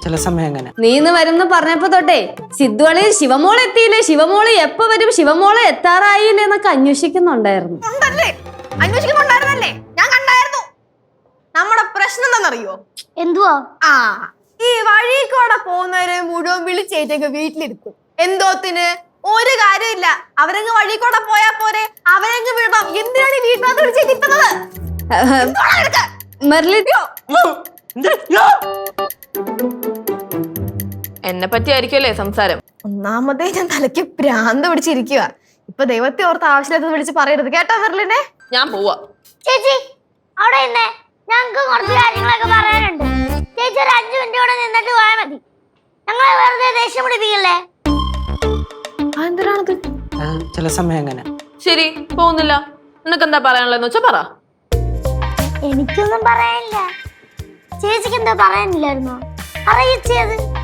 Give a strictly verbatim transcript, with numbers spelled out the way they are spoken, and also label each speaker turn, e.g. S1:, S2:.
S1: ചില സമയം അങ്ങനെ.
S2: നീന്ന് വരുന്ന പറഞ്ഞപ്പോ തൊട്ടേ സിദ്ധുവളി ശിവമോളെ എത്തിയില്ലേ, ശിവമോള് എപ്പോ വരും, ശിവമോളെ എത്താറായില്ലേ എന്നൊക്കെ അന്വേഷിക്കുന്നുണ്ടായിരുന്നു.
S3: അന്വേഷിക്കുന്നുണ്ടായിരുന്നല്ലേ, ഞാൻ കണ്ടായിരുന്നു. നമ്മുടെ പ്രശ്നം എന്താണെന്നറിയോ?
S4: എന്തുവാ?
S3: ആ ഈ വഴി കൂടെ പോകുന്നവരെ മുഴുവൻ വിളിച്ചേറ്റൊക്കെ വീട്ടിലിരുത്തും. എന്തോത്തിന്? ഒരു കാര്യമില്ല, അവരങ്ങ് വഴി കൂടെ പോയാ പോരെ, അവരങ്ങ് വിടണം. എന്തിനാണ് ഈ വീട്ടിനകത്ത് വിളിച്ചേറ്റിരുത്തുന്നത്?
S5: എന്നെ പറ്റി ആയിരിക്കുമല്ലേ സംസാരം?
S3: ഒന്നാമതേ ഞാൻ തലയ്ക്ക് ഭ്രാന്ത് പിടിച്ചിരിക്കുക. ഇപ്പൊ ദൈവത്തെ ഓർത്ത് ആവശ്യമില്ലാത്തത് വിളിച്ച് പറയരുത് കേട്ടോ മെർലിനെ.
S5: ഞാൻ പോവാ.
S4: ചേച്ചി അവിടെ ഇന്നേ, ഞങ്ങൾക്ക് കുറച്ച് കാര്യങ്ങളൊക്കെ പറയാനുണ്ട്. ചേച്ചി ഒരു അഞ്ചു മിനിറ്റ് കൂടെ നിന്നിട്ട് പോയാൽ മതി. ഞങ്ങളെ വെറുതെ ദേഷ്യം പിടിപ്പിക്കല്ലേ.
S3: എന്തിനാണത്?
S1: ചില സമയം അങ്ങനെ.
S5: ശരി, പോകുന്നില്ല. നിനക്ക് എന്താ പറയാനുള്ളതെന്ന് വെച്ചാ പറ.
S4: എനിക്കൊന്നും പറയാനില്ല. ചേച്ചിക്ക് എന്താ പറയാനില്ലായിരുന്നോ? അറിയിച്ചത്